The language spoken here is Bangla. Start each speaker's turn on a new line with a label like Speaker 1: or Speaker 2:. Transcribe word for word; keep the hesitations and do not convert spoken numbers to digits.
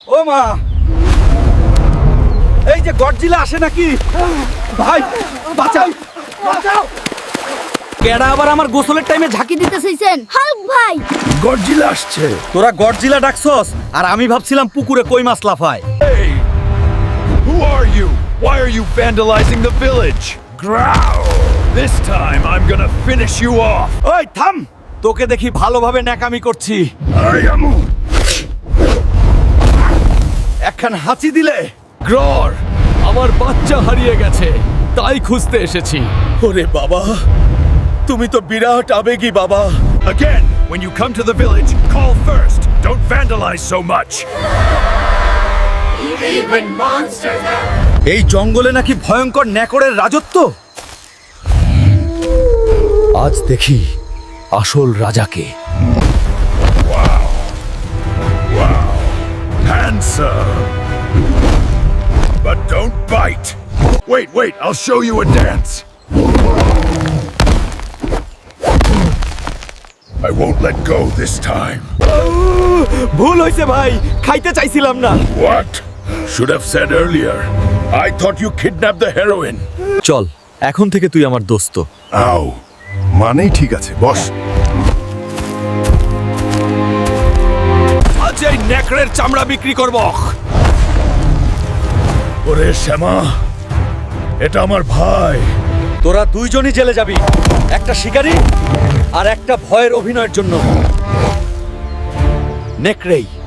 Speaker 1: ও মা, এই যে গডজিলা আসে নাকি? ভাই বাঁচাও বাঁচাও! কেডা আবার আমার গোসলের টাইমে ঝাঁকি দিতে চাইছেন?
Speaker 2: হাল্ক ভাই,
Speaker 3: গডজিলা আসছে।
Speaker 1: তোরা গডজিলা ডাকছস আর আমি ভাবছিলাম পুকুরে কই মাছ লাফায়।
Speaker 3: Hey! Who are you? Why are you vandalizing the village? Growl! This time I'm gonna finish you off.
Speaker 1: ওই থাম, তোকে দেখি ভালোভাবে ন্যাকামি করছি।
Speaker 3: I am
Speaker 1: একখান হাঁচি দিলে।
Speaker 4: গ্রর, আমার বাচ্চা হারিয়ে গেছে, তাই খুঁজতে এসেছি।
Speaker 1: ওরে বাবা, তুমি তো বিরাট আবেগী বাবা।
Speaker 3: again. When you come to the village, call first. Don't vandalize so much.
Speaker 1: এই জঙ্গলে নাকি ভয়ঙ্কর ন্যাকড়ের রাজত্ব। আজ দেখি আসল রাজাকে।
Speaker 3: Handsome. But don't bite. Wait, wait, I'll show you a dance. I won't let go this time.
Speaker 1: ভুল হয়েছে ভাই, খাইতে চাইছিলাম না।
Speaker 3: What? Should have said earlier. I thought you kidnapped the heroine.
Speaker 1: চল, এখন থেকে তুই আমার দোস্ত।
Speaker 3: আও, মানেই ঠিক আছে, বস।
Speaker 1: আজ এই ন্যাকড়ের চামড়া বিক্রি করব।
Speaker 3: ওরে শ্যামা, এটা আমার ভাই।
Speaker 1: তোরা দুইজনই জেলে যাবি, একটা শিকারী আর একটা ভয়ের অভিনয়ের জন্য। নেকড়েই